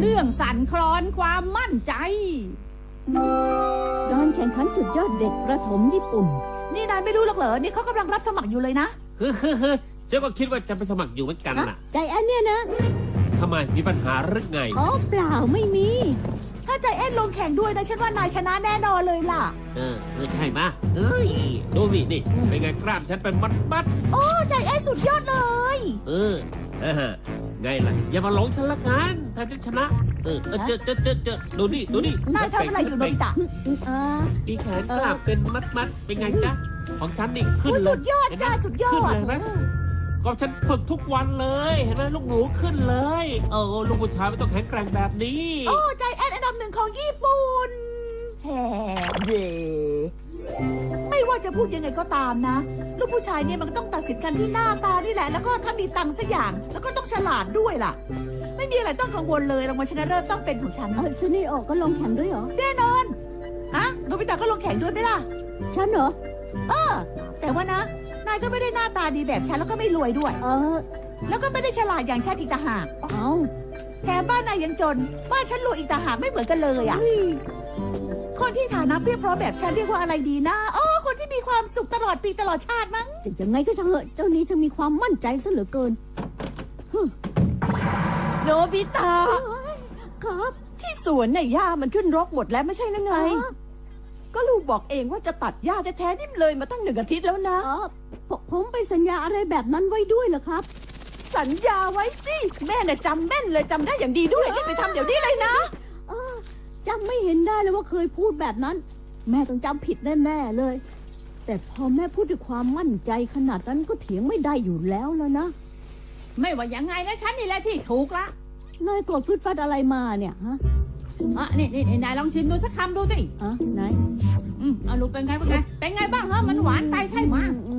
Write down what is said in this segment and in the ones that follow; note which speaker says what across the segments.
Speaker 1: เรื่องสั่นคลอนความมั่นใจ
Speaker 2: การแข่งขันสุดยอดเด็กประถมญี่ปุ่น
Speaker 3: นี่นายไม่รู้หรอกเหรอนี่เขากำลังรับสมัครอยู่เลยนะ
Speaker 4: ฉันก็คิดว่าจะไปสมัครอยู่เหมือนกันน่ะ
Speaker 2: ใจแอนเนี่ยนะ
Speaker 4: ทำไมมีปัญหาหรือไง
Speaker 2: อ๋อเปล่าไม่มี
Speaker 3: ถ้าใจแอนลงแข่งด้วยนะฉันว่านายชนะแน่นอนเลยล่ะ
Speaker 4: ใช่ไหมดูสินี่เป็นไงกล้ามฉันเป็นมัด
Speaker 3: โอ้ใจแอนสุดยอดเลย
Speaker 4: ไงล่ะอย่ามาหลงฉันละกันถ้าฉันชนะเจอดูนี่
Speaker 3: นายทำอะไรอยู่โนบิตะ
Speaker 4: มีแขนกล้ามเป็นมัดเป็นไงจ๊ะของฉันนี่ขึ้นเลย
Speaker 3: สุดยอดจ้าสุดยอด
Speaker 4: เห็นไหมก็ฉันฝึกทุกวันเลยเห็นไหมลูกหนูขึ้นเลยลูกผู้ชายไม่ต้องแข็งแกร่งแบบนี้
Speaker 3: โอ้ใจแอนอันดับ 1ของญี่ปุ่นแฮ่เย่ไม่ว่าจะพูดยังไงก็ตามนะลูกผู้ชายเนี่ยมันก็ต้องตัดสินกันที่หน้าตานี่แหละแล้วก็ถ้ามีตังค์สักอย่างแล้วก็ต้องฉลาดด้วยล่ะไม่มีอะไรต้องกังวลเลยรางวัลชนะเลิศต้องเป็นของฉัน
Speaker 2: ซูนิโอก็ลงแข่งด้วยเหรอ
Speaker 3: แน่นอนโนบิตะก็ลงแข่งด้วยไหมล่ะ
Speaker 2: ฉันเหรอ
Speaker 3: แต่ว่านะนายก็ไม่ได้หน้าตาดีแบบฉันแล้วก็ไม่รวยด้วยแล้วก็ไม่ได้ฉลาดอย่างฉันอีกต่างหากแถมบ้านนายยังจนบ้านฉันรวยอีกต่างหากไม่เหมือนกันเลยอ่ะคนที่ฐานะเพียบพร้อมแบบฉันเรียกว่าอะไรดีนะคนที่มีความสุขตลอดปีตลอดชาติมั้ง
Speaker 2: จะยังไงก็ช่างเถอะเจ้านี้จะมีความมั่นใจซะเหลือเกิน
Speaker 3: โนบิตะ
Speaker 2: ครับ
Speaker 3: ที่สวนเนี่ยหญ้ามันขึ้นรกหมดแล้วไม่ใช่หรือไงก็ลูกบอกเองว่าจะตัดหญ้าแท้ๆนี่เลยมาตั้ง1 อาทิตย์แล้วนะ
Speaker 2: ผมไปสัญญาอะไรแบบนั้นไว้ด้วยเหรอครับ
Speaker 3: สัญญาไว้สิแม่เนี่ยจำแม่นเลยจำได้อย่างดีด้วยรีบไปทำเดี๋ยวนี้เลยนะ
Speaker 2: จำไม่เห็นได้เลยว่าเคยพูดแบบนั้นแม่ต้องจำผิดแน่ๆเลยแต่พอแม่พูดด้วยความมั่นใจขนาดนั้นก็เถียงไม่ได้อยู่แล้วนะ
Speaker 1: ไม่ว่ายังไงนะฉันนี่แหละที่ถูกละ
Speaker 2: นายโกรธฟืดฟัดอะไรมาเนี่ยฮะ
Speaker 1: นี่นายลองชิมดูสักคำดูสิ
Speaker 2: ไหน
Speaker 1: เอาลูกเป็นไงบ้างมันหวานไปใช่ไหม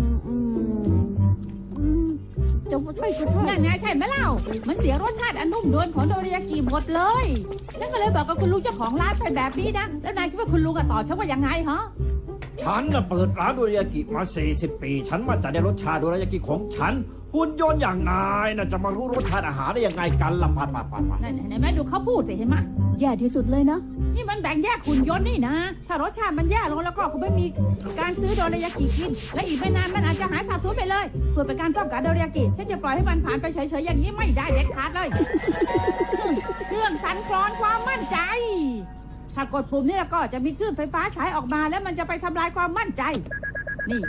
Speaker 2: จะใช่ก็ใช่
Speaker 1: นั่นไงใช่ไหมเล่ามันเสียรสชาติอันนุ่มนวลของโดริยากิหมดเลยฉันก็เลยบอกกับคุณลุงเจ้าของร้านไปแบบนี้นะแล้วนายคิดว่าคุณลุงตอบฉันว่ายังไงฮะ
Speaker 5: ฉันเปิดร้านโดริยากิมา40 ปีฉันมั่นใจในรสชาติโดริยากิของฉันหุ่นยนต์อย่างนายน่ะจะมารู้รสชาติอาหารได้ยังไงกันล่ะปัด
Speaker 1: นั่นแม่ดูเขาพูดสิเห็นไหม
Speaker 2: แย่ที่สุดเลยนะ
Speaker 1: นี่มันแบ่งแยกหุ่นยนต์นี่นะถ้ารสชาติมันแย่ลงแล้วก็คงไม่มีการซื้อโดริยากิกินและอีกไม่นานมันอาจจะหายสาบสูญไปเลยเพื่อเป็นการป้องกันโดริยากิฉันจะปล่อยให้มันผ่านไปเฉยๆอย่างนี้ไม่ได้เด็ดขาดเลยเครื่องสั่นคลอนความมั่นใจถ้ากดปุ่มนี่แล้วก็จะมีคลื่นไฟฟ้าฉายออกมาแล้วมันจะไปทำลายความมั่นใจนี่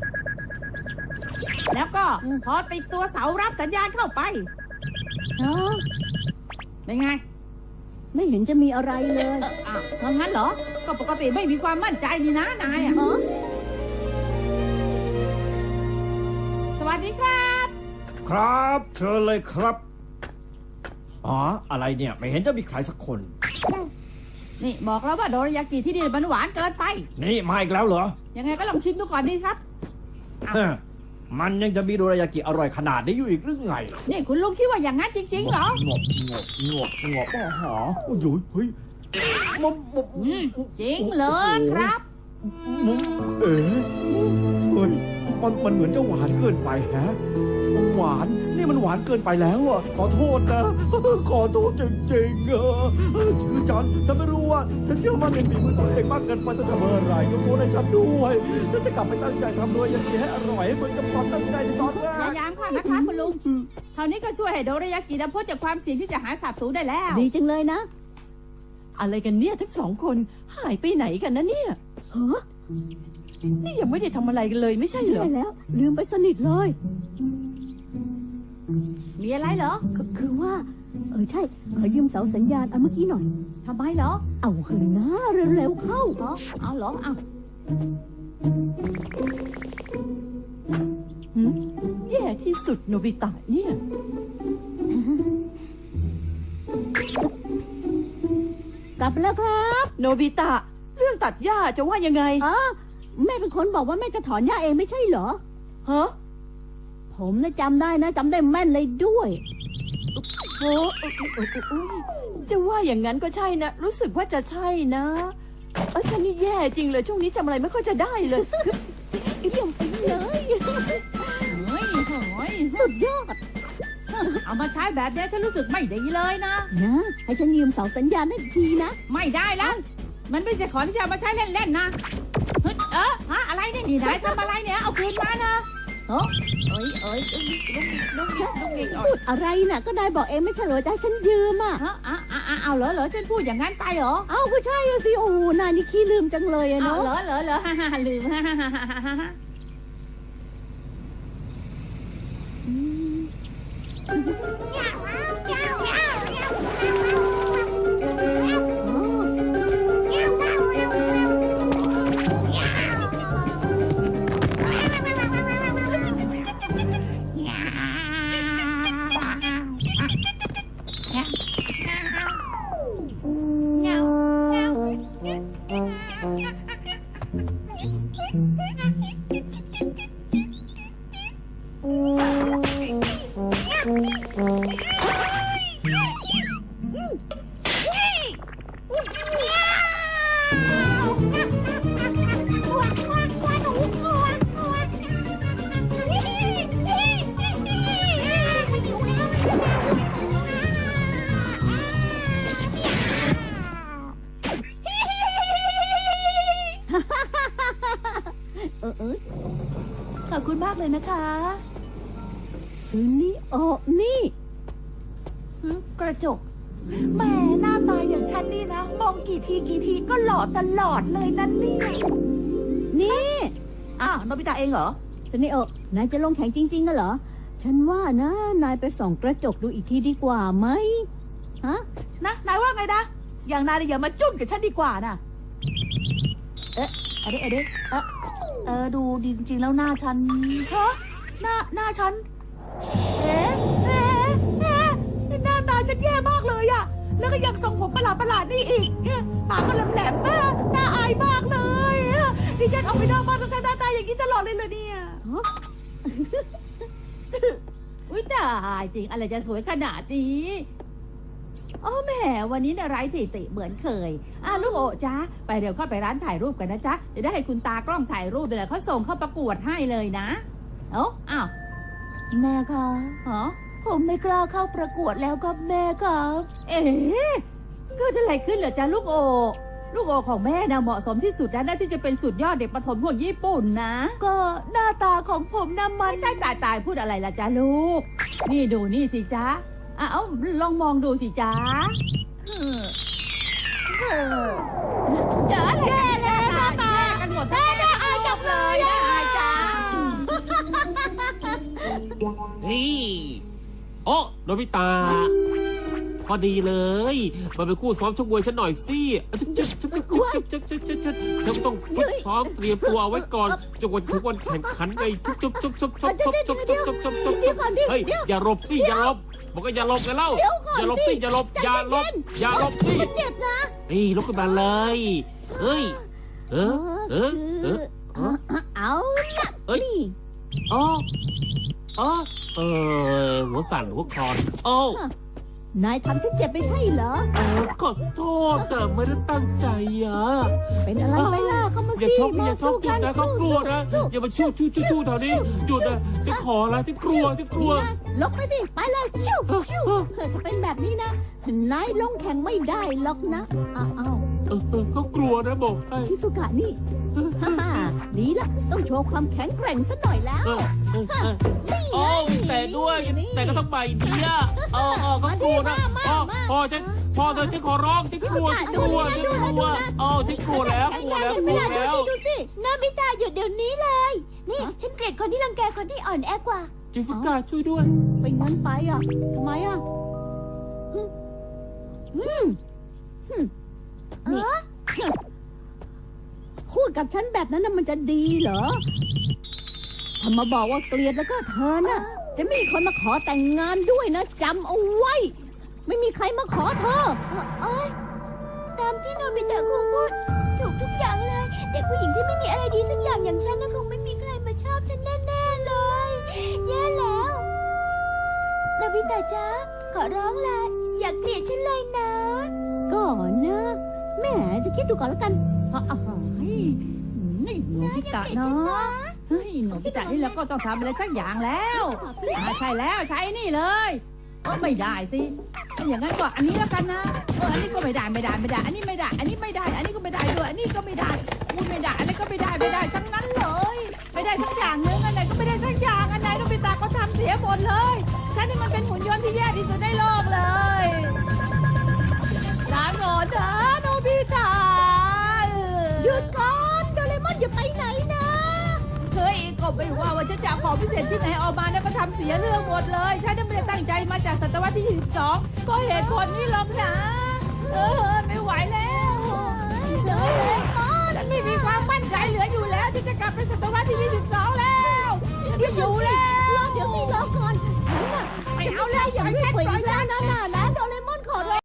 Speaker 1: แล้วก็พอติดตัวเสารับสัญญาณเข้าไปเป็นไง
Speaker 2: ไม่เห็นจะมีอะไรเลย
Speaker 1: งั้นเหรอก็ปกติไม่มีความมั่นใจนี่นะนายสวัสดีครับ
Speaker 5: ครับเชิญเลยครับอะไรเนี่ยไม่เห็นจะมีใครสักคน
Speaker 1: นี่บอกแล้วว่าโดริยากิที่นี่มันหวานเกินไป
Speaker 5: นี่มาอีกแล้วเหรอ
Speaker 1: ยังไงก็ลองชิมดูก่อนดีครับ
Speaker 5: มันยังจะมีโดริยากิอร่อยขนาดนี้อยู่อีกหรือไง
Speaker 1: นี่คุณลุงคิดว่าอย่างนั้นจริงๆเหรองบ
Speaker 5: เฮ้ย
Speaker 1: จริงเลยครับ
Speaker 5: เฮ้ยมันเหมือนจะหวานเกินไปฮะหวานนี่มันหวานเกินไปแล้วอ่ะขอโทษนะขอโทษจริงๆชื่อฉันไม่รู้ว่าฉันเชื่อมั่นในฝีมือตัวเองมากเกินไปตั้งแต่เมื่อไหร่ยกโทษให้ฉันด้วยฉันจะกลับไปตั้งใจทำโดยอย่างนี้ให้อร่อยเหมือนกับความตั้งใจในตอนแรก
Speaker 1: พยายามค่ะนะคะคุณลุงเท่านี้ก็ช่วยให้โดริยากิพ้นจากความเสี่ยงที่จะหายสาบสูญได้แล้ว
Speaker 2: ดีจังเลยนะ
Speaker 3: อะไรกันเนี่ยทั้ง2 คนหายไปไหนกันนะเนี่ยนี่ยังไม่ได้ทำอะไรกันเลยไม่ใช่เหรอ
Speaker 2: ใช่แล้วลืมไปสนิทเลย
Speaker 1: มีอะไรเหรอ
Speaker 2: ก็คือว่าใช่ขอยืมเสาสัญญาณอันเมื่อกี้หน่อย
Speaker 1: ทำไมเหรอ
Speaker 2: เอาขึ้นนะเร็วๆเข้า
Speaker 1: เอาเหรอเอา
Speaker 3: แย่ที่สุดโนบิตะเนี่ย
Speaker 2: กลับแล้วครับ
Speaker 3: โนบิตะเรื่องตัดหญ้าจะว่ายังไง
Speaker 2: แม่เป็นคนบอกว่าแม่จะถอนหญ้าเองไม่ใช่เหรอผมจำได้นะจำได้แม่นเลยด้วย
Speaker 3: จะว่าอย่างนั้นก็ใช่นะรู้สึกว่าจะใช่นะฉันนี่แย่จริงเลยช่วงนี้จำอะไรไม่ค่อยจะได้เลย
Speaker 2: เยี่ยมไปเลย
Speaker 1: เฮ้ย
Speaker 2: สุดยอด
Speaker 1: เอามาใช้แบบเนี้ยฉันรู้สึกไม่ดีเลยนะ
Speaker 2: นะให้ฉันยืมเสาสัญญาณนั่นทีนะ
Speaker 1: ไม่ได้แล้วมันไม่ใช่ของที่จะเอามาใช้เล่นๆนะเฮ้ยฮะอะไรเนี่ยนี่นายทำอะไรเนี่ยเอาคืนมานะเอ้ลุงอีก
Speaker 2: พูดอะไรน่ะก็นายบอกเองไม่ใช่เหรอจะให้ฉันยืมอ่ะ
Speaker 1: ฮะเอาเหรอฉันพูดอย่างนั้นไปเหรอ
Speaker 2: เอ้าก็ใช่อะสิโอ้โหนายนี่ขี้ลืมจังเลยอะ
Speaker 1: เอา
Speaker 2: เนาะ
Speaker 1: เหรอฮ่าลืมฮ่า
Speaker 2: เออ
Speaker 3: ขอบคุณมากเลยนะคะ
Speaker 2: ซึนิโอะนี่
Speaker 3: กระจกแหมหน้าตาอย่างฉันนี่นะ มองกี่ทีก็หล่อตลอดเลยนั่นเนี่ย
Speaker 2: นี่
Speaker 3: อ้าวโนบิตะเองเหรอ
Speaker 2: ซึนิโอะนายจะลงแข่งจริงๆกันเหรอ ฉันว่านะนายไปส่องกระจกดูอีกทีดีกว่าไหมฮะ
Speaker 3: นายว่าไงนะ อย่างนายเนี่ยอย่ามาจุ้มกับฉันดีกว่านะดูจริงๆแล้วหน้าฉันฮะหน้าฉันหน้าตาฉันแย่มากเลยอะแล้วก็ยังทรงผมประหลาดนี่อีกปากก็แหลมๆน่าอายมากเลยดิฉันออกไปนอกบ้านต้องทำหน้าตาอย่างนี้ตลอดเลยเนี่ย
Speaker 1: อุ้ยตายจริงอะไรจะสวยขนาดนี้โอ้แหมวันนี้เนี่ยไร้ที่ติเหมือนเคยลูกโอะจ๊ะไปเดี๋ยวเข้าไปร้านถ่ายรูปกันนะจ๊ะจะได้ให้คุณตากล้องถ่ายรูปเดี๋ยวเขาส่งเข้าประกวดให้เลยนะอ้าว
Speaker 3: แม่คะ
Speaker 1: ฮะ
Speaker 3: ผมไม่กล้าเข้าประกวดแล้วครับแม่ครับ
Speaker 1: เอ๊ะเกิดอะไรขึ้นเหรอจ๊ะลูกโอลูกโอของแม่นะเหมาะสมที่สุดแล้วนะที่จะเป็นสุดยอดเด็กประถมของญี่ปุ่นนะ
Speaker 3: ก็หน้าตาของผมน่ะมัน
Speaker 1: ตายพูดอะไรล่ะจ๊ะลูกนี่ดูนี่สิจ๊ะลองมองดูสิจ๊ะเจออะไรแย่แล้วหน้าตากันหมดน่าอายจังเลยน่าอายจัง
Speaker 4: นี่โอ้โนบิตะพอดีเลยมาเป็นคู่ซ้อมชกมวยฉันหน่อยสิฉันต้องฝึกซ้อมเตรียมตัวเอาไว้ก่อนจนวันถึงวันแข่งขันไงเฮ้ยอย่าหลบสิอย่าหลบบอกก็อย่าหลบกันเล่าอย่าหลบสิอย่าหลบอย่าหลบสิ
Speaker 2: เจ็บนะ
Speaker 4: นี่ลุกขึ้นมาเลยเฮ้ย
Speaker 2: เอาละ
Speaker 4: เอ้ย
Speaker 2: นี่
Speaker 4: หัวสั่นหัวคลอนโอ้
Speaker 2: นายทำฉันเจ็บไม่ใช่เหรอ
Speaker 4: ขอโทษนะไม่ได้ตั้งใจอ่ะ
Speaker 2: เป็นอะไรไปล่ะเข้ามา
Speaker 4: อย่า
Speaker 2: สิ
Speaker 4: ชกอย่าช
Speaker 2: สู้
Speaker 4: กหยุ
Speaker 2: กั
Speaker 4: ด
Speaker 2: น
Speaker 4: นะเขากลัวนะอย่ามาชู้แถวนี้หยุดนะจะขอละจะกลัว
Speaker 2: นี่นะลบไปสิไปเลยชิวถ้าเป็นแบบนี้นะนายลงแข่งไม่ได้หรอกนะอ้าว
Speaker 4: เขากลัวนะบอกให้
Speaker 2: ชิสุกะนี่ดีละต้องโชว์ความแข็งแกร่งซะหน่อยแล้ว
Speaker 4: โอ้มีแต่ด้วยแต่ก็ต้องใบเดียวเขากลัวนะพอเธอฉันขอร้องฉันกลัวฉันกลัวฉันกลัวแล้ว
Speaker 2: ดูสิ
Speaker 6: นามิตาหยุดเดี๋ยวนี้เลย นี่ฉันเกลียดคนที่รังแกคนที่อ่อนแอกว่า
Speaker 4: จิสกาช่วยด้วย
Speaker 2: เป็นงั้นไปอ่ะทำไมอ่ะพูดกับฉันแบบนั้นน่ะมันจะดีเหรอถ้ามาบอกว่าเกลียดแล้วก็เธอน่ะจะไม่มีคนมาขอแต่งงานด้วยนะจำเอาไว้ ไม่มีใครมาขอเธอ
Speaker 6: ตามที่โนบิตะคงพูดถูกทุกอย่างเลย เด็กผู้หญิงที่ไม่มีอะไรดีสักอย่างฉันนะคงไม่มีใครมาชอบฉันแน่ๆเลย แย่แล้วโนบิตะจ๊ะขอร้องละอย่าเกลียดฉันเลยนะ
Speaker 2: ก่อนนะแม่จะคิดดูก่อนแล้วกัน
Speaker 1: นี่หนูพิตะเนาะเฮ้ยหนูพิตะนี่แล้วก็ต้องทำอะไรสักอย่างแล้วใช่แล้วใช้นี่เลยไม่ได้สิอย่างนั้นก็อันนี้แล้วกันนะอันนี้ก็ไม่ได้อันนี้ไม่ได้ อันนี้ไม่ได้ อันนี้ก็ไม่ได้ด้วยอันนี้ก็ไม่ได้ไม่ได้อะไรก็ไม่ได้ทั้งนั้นเลยไม่ได้ทั้งอย่างนึงอันไหนก็ไม่ได้ทั้งอย่างอันไหนโนบิตะก็ทำเสียหมดเลยฉันนี่มันเป็นหุ่นยนต์ที่แย่ที่สุดในโลกเลยลาก่อนนะโนบิตะ
Speaker 2: หยุดก่อนโดเรมอนอย่าไปไหนนะ
Speaker 1: เฮ้ยก็ไม่ว่าฉันจะเอาของพิเศษที่ไหนออกมาแล้วก็ทำเสียเรื่องหมดเลยฉันไม่ได้ตั้งใจมาจากศตวรรษที่ 22เพราะเหตุผลนี้หรอกนะไม่ไหวแล้ว